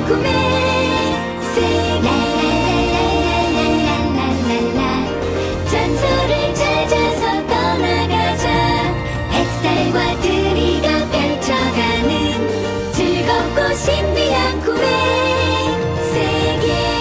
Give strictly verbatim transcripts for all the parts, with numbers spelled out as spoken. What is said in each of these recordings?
꿈에 Say 라라라라라라라라라 전설을 찾아서 떠나가자 햇살과 드리가 펼쳐가는 즐겁고 신비한 꿈의 세계.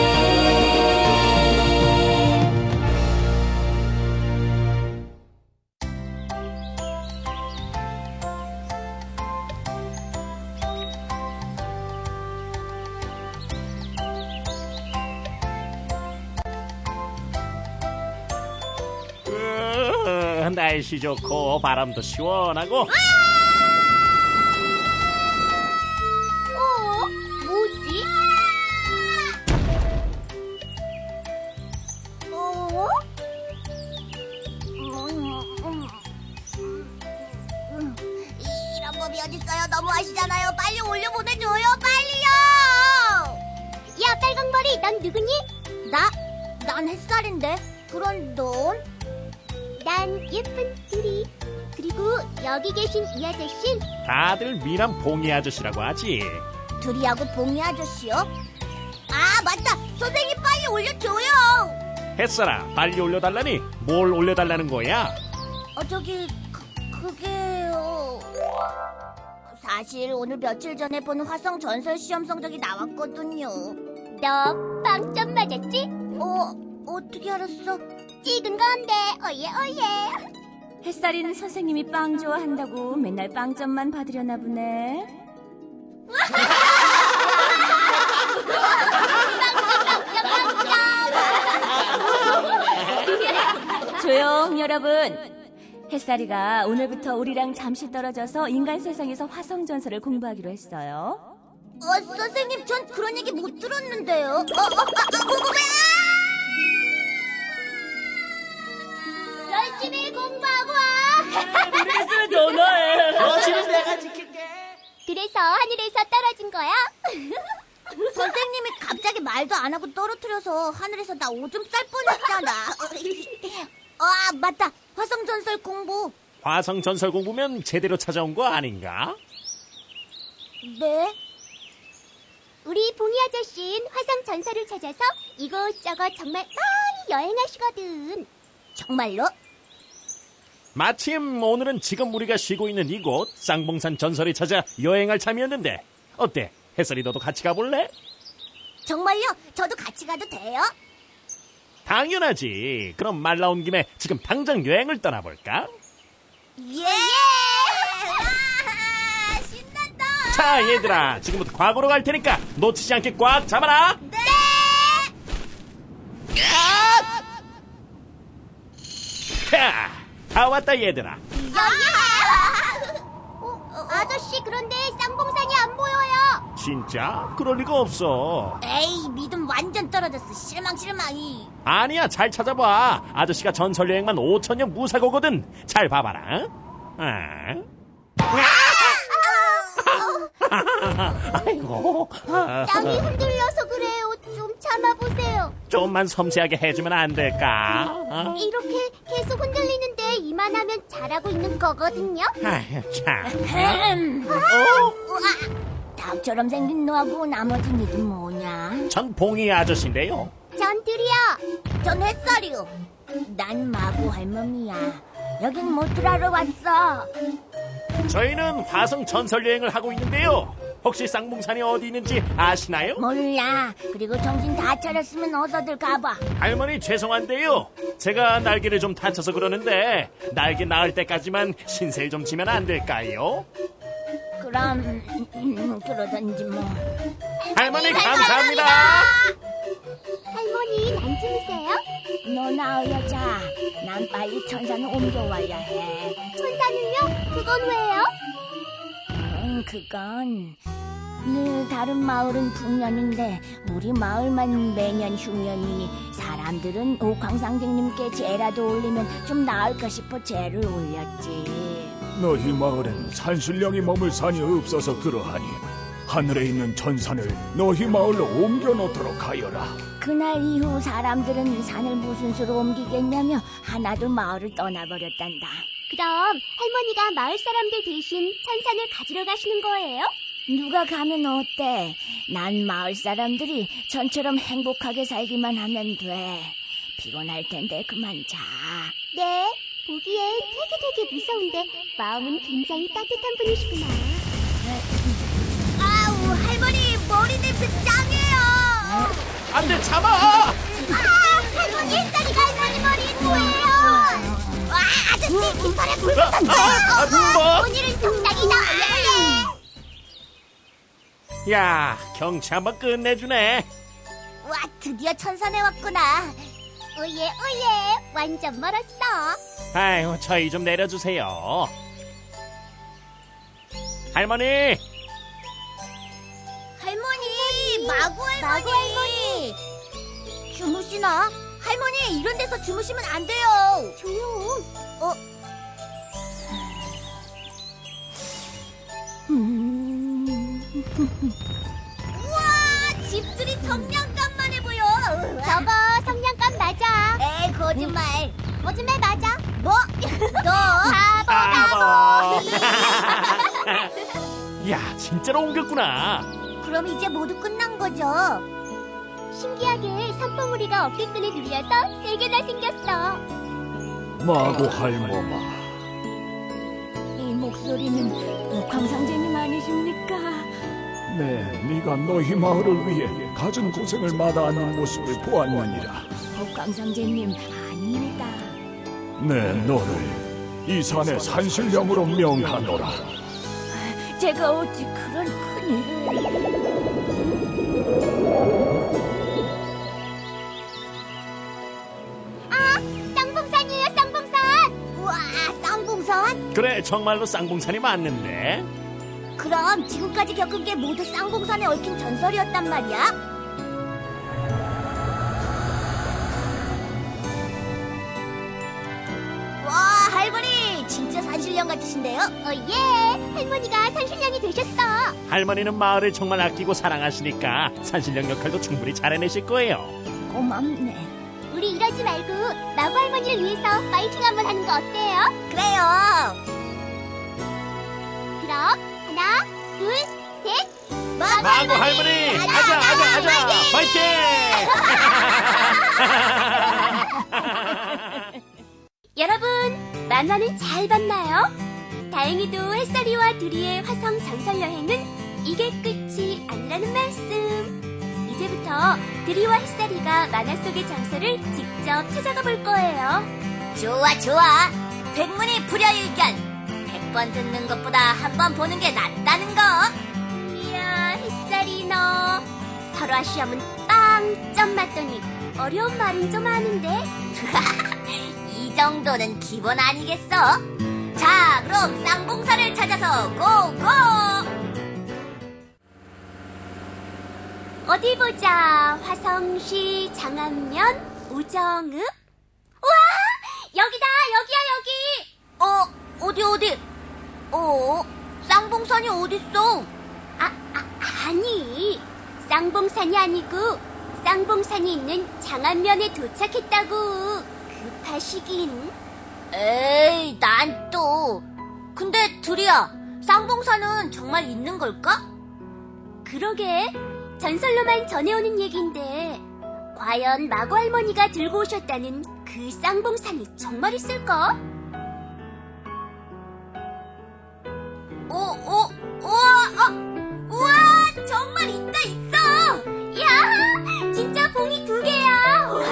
으, 날씨 좋고 바람도 시원하고. 어? 뭐지? 어? 이런 법이 어딨어요? 너무 하시잖아요. 빨리 올려보내줘요. 빨리요. 야, 빨강머리, 넌 누구니? 나? 난 햇살인데. 그럼 넌? 난 예쁜 두리. 그리고 여기 계신 이 아저씨는 다들 미남 봉이 아저씨라고 하지. 두리하고 봉이 아저씨요? 아, 맞다. 선생님 빨리 올려줘요. 햇살아, 빨리 올려달라니. 뭘 올려달라는 거야? 어, 저기 그, 그게요. 사실 오늘 며칠 전에 본 화성 전설 시험 성적이 나왔거든요. 너 빵점 맞았지? 어, 어떻게 알았어? 찍은 건데, 어예 어예. 햇살이는 선생님이 빵 좋아한다고 맨날 빵점만 받으려나 보네. 조용, 여러분. 햇살이가 오늘부터 우리랑 잠시 떨어져서 인간 세상에서 화성 전설을 공부하기로 했어요. 어, 선생님, 전 그런 얘기 못 들었는데요. 어, 어, 아, 아, 궁금해! 열심히 공부하고 와! 그래서 전화해. 거실은 내가 지킬게. 그래서 하늘에서 떨어진 거야? 선생님이 갑자기 말도 안 하고 떨어뜨려서 하늘에서 나 오줌 쌀 뻔했잖아. 아, 맞다. 화성전설 공부. 화성 전설 공부면 제대로 찾아온 거 아닌가? 네? 우리 봉이 아저씨는 화성 전설을 찾아서 이곳저곳 정말 많이 여행하시거든. 정말로? 마침 오늘은 지금 우리가 쉬고 있는 이곳 쌍봉산 전설을 찾아 여행할 참이었는데 어때? 햇살이 너도 같이 가볼래? 정말요? 저도 같이 가도 돼요? 당연하지. 그럼 말 나온 김에 지금 당장 여행을 떠나볼까? 예! 아, 신난다! 자, 얘들아, 지금부터 과거로 갈 테니까 놓치지 않게 꽉 잡아라. 네! 자, 다 왔다 얘들아. 어, 아저씨, 그런데 쌍봉산이 안 보여요. 진짜? 그럴 리가 없어. 에이, 믿음 완전 떨어졌어. 실망, 실망이. 아니야, 잘 찾아봐. 아저씨가 전설 여행만 오천 년 무사고거든. 잘 봐봐라. 아. 아이고. 땅이 흔들려서 그래요. 좀 참아보세요. 좀만 섬세하게 해주면 안 될까? 어? 이렇게 계속 흔들리는데 이만하면 잘하고 있는 거거든요. 아휴, 참. 어? 닭처럼 생긴 너하고 나머지 니들 뭐냐? 전 봉이 아저씨인데요. 전 둘이요. 전 햇살이요. 난 마구 할멈이야. 여긴 뭐 들하러 왔어? 저희는 화성 전설 여행을 하고 있는데요. 혹시 쌍봉산이 어디 있는지 아시나요? 몰라. 그리고 정신 다 차렸으면 어서들 가봐. 할머니 죄송한데요. 제가 날개를 좀 다쳐서 그러는데 날개 나을 때까지만 신세를 좀 지면 안 될까요? 그럼 음, 그러던지 뭐. 할머니 감사합니다. 할머니, 안 주무세요? 너 나으야 자. 난 빨리 천산을 옮겨와야 해. 천사는요? 그건 왜요? 음, 그건 늘 다른 마을은 풍년인데 우리 마을만 매년 흉년이니 사람들은 옥황상제님께 제라도 올리면 좀 나을까 싶어 제를 올렸지. 너희 마을엔 산신령이 머물 산이 없어서 그러하니 하늘에 있는 천산을 너희 마을로 옮겨놓도록 하여라. 그날 이후 사람들은 산을 무슨 수로 옮기겠냐며 하나둘 마을을 떠나버렸단다. 그럼 할머니가 마을 사람들 대신 천산을 가지러 가시는 거예요? 누가 가면 어때? 난 마을 사람들이 전처럼 행복하게 살기만 하면 돼. 피곤할 텐데 그만 자. 네, 보기엔 되게 되게 무서운데 마음은 굉장히 따뜻한 분이시구나. 아우, 할머니 머리 냄새 짱해요. 안 돼, 참아! 아, 할머니 햇살이가 할머니 머리에 뭐예요? 와, 아저씨 깃털에 물 아, 아, 아, 뭐? 오늘은 속닥이다. 야, 경치 한번 끝내주네. 와, 드디어 천산에 왔구나. 오예 오예, 완전 멀었어. 아유, 저희 좀 내려주세요. 할머니! 할머니, 마구 할머니. 마구 할머니. 주무시나? 할머니, 이런 데서 주무시면 안 돼요. 조용. 어, 우와, 집들이 성냥감만 해보여. 저거 성냥감 맞아. 에이, 거짓말. 거짓말 맞아. 뭐? 너? 바보 바보! 바보. 야, 진짜로 옮겼구나. 그럼 이제 모두 끝난 거죠? 신기하게 산봉우리가 어깨끈에 눌려서 세 개나 생겼어. 마구 할머마. 이 목소리는 옥황상제님 아니십니까? 네, 네가 너희 마을을 위해 갖은 고생을 마다하는 모습을 보았느니라. 옥황상제님 아닙니다. 네, 너를 이 산의 산신령으로 명하노라. 제가 어찌 그런 큰일을... 아, 쌍봉산이에요, 쌍봉산. 우와, 쌍봉산? 그래, 정말로 쌍봉산이 맞는데. 그럼 지금까지 겪은 게 모두 쌍봉산에 얽힌 전설이었단 말이야? 와, 할머니 진짜 산신령 같으신데요? 오예, 할머니가 산신령이 되셨어. 할머니는 마을을 정말 아끼고 사랑하시니까 산신령 역할도 충분히 잘해내실 거예요. 고맙네. 우리 이러지 말고 마구 할머니를 위해서 파이팅 한번 하는 거 어때요? 그래요. 그럼 하나, 둘, 셋. 마구 할머니! 아자, 아자, 아자! 파이팅! 여러분, 만화는 잘 봤나요? 다행히도 햇살이와 두리의 화성 전설 여행은 이게 끝이 아니라는 말씀. 이제부터 두리와 햇살이가 만화 속의 장소를 직접 찾아가 볼 거예요. 좋아, 좋아. 백문이 불여일견. 백 번 듣는 것보다 한 번 보는 게 낫다는 거. 이야, 햇살이 너 설화 시험은 빵점 맞더니 어려운 말은 좀 아는데. 이 정도는 기본 아니겠어? 자, 그럼 쌍봉산을 찾아서 고고! 어디 보자. 화성시 장안면 우정읍. 우와, 여기다. 여기야, 여기. 어, 어디 어디? 어, 쌍봉산이 어딨어? 아, 아, 아니, 쌍봉산이 아니고 쌍봉산이 있는 장안면에 도착했다고. 급하시긴. 에이, 난 또. 근데 두리야, 쌍봉산은 정말 있는 걸까? 그러게, 전설로만 전해오는 얘긴데 과연 마구 할머니가 들고 오셨다는 그 쌍봉산이 정말 있을까? 어, 어, 우와, 어, 우와, 정말 있다, 있어! 야, 진짜 봉이 두 개야. 와.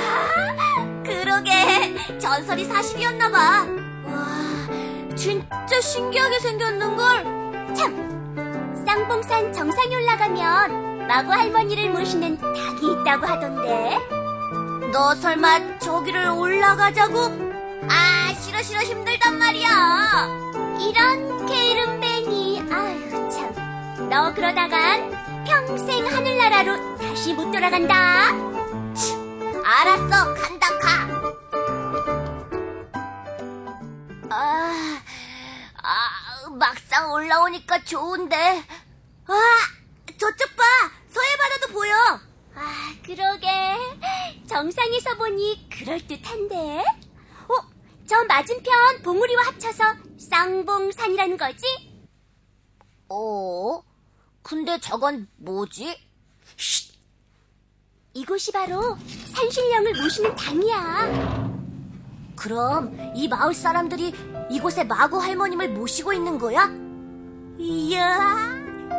그러게, 전설이 사실이었나봐. 와, 진짜 신기하게 생겼는걸? 참, 쌍봉산 정상에 올라가면 마구 할머니를 모시는 닭이 있다고 하던데. 너 설마 저기를 올라가자고? 아, 싫어, 싫어, 힘들단 말이야. 이런 게으름뱅이. 아유 참, 너 그러다간 평생 하늘나라로 다시 못 돌아간다. 알았어, 간다, 가. 아, 아, 막상 올라오니까 좋은데. 아, 저쪽 봐, 서해바다도 보여. 아, 그러게. 정상에서 보니 그럴듯한데. 어, 저 맞은편 봉우리와 합쳐서 쌍봉산이라는 거지? 어? 근데 저건 뭐지? 이곳이 바로 산신령을 모시는 당이야. 그럼 이 마을 사람들이 이곳에 마구 할머님을 모시고 있는 거야? 이야.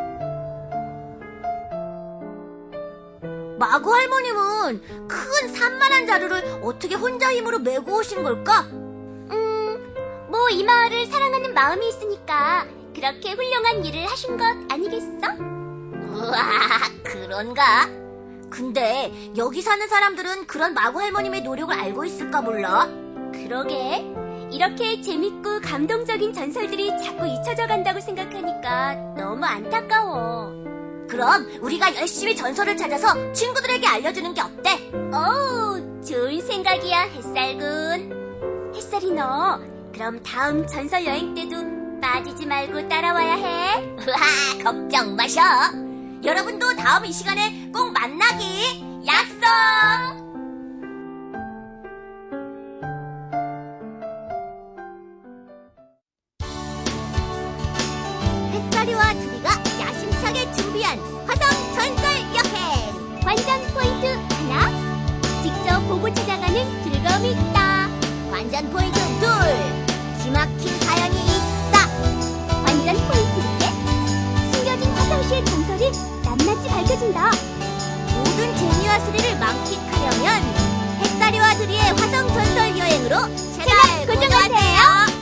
마구 할머님은 큰 산만한 자루를 어떻게 혼자 힘으로 메고 오신 걸까? 음, 뭐 이 마을을 사랑하는 마음이 있으니까 그렇게 훌륭한 일을 하신 것 아니겠어? 우와, 그런가? 근데 여기 사는 사람들은 그런 마구 할머님의 노력을 알고 있을까 몰라? 그러게. 이렇게 재밌고 감동적인 전설들이 자꾸 잊혀져 간다고 생각하니까 너무 안타까워. 그럼 우리가 열심히 전설을 찾아서 친구들에게 알려주는 게 어때? 오, 좋은 생각이야, 햇살군. 햇살이 너, 그럼 다음 전설 여행 때도 빠지지 말고 따라와야 해. 우와, 걱정 마셔. 여러분도 다음 이 시간에 꼭 만나기 약속! 햇살이와 두리가 야심차게 준비한 화성 전설 여행! 관전 포인트 하나, 직접 보고 찾아가는 즐거움이 있다. 관전 포인트 둘! 기막힌 자연이 있다! 관전 포인트 셋, 숨겨진 화성시의 전설이 낱낱이 밝혀진다. 모든 재미와 스릴을 만끽하려면 햇살이와 두리의 화성 전설 여행으로 채널 고정하세요!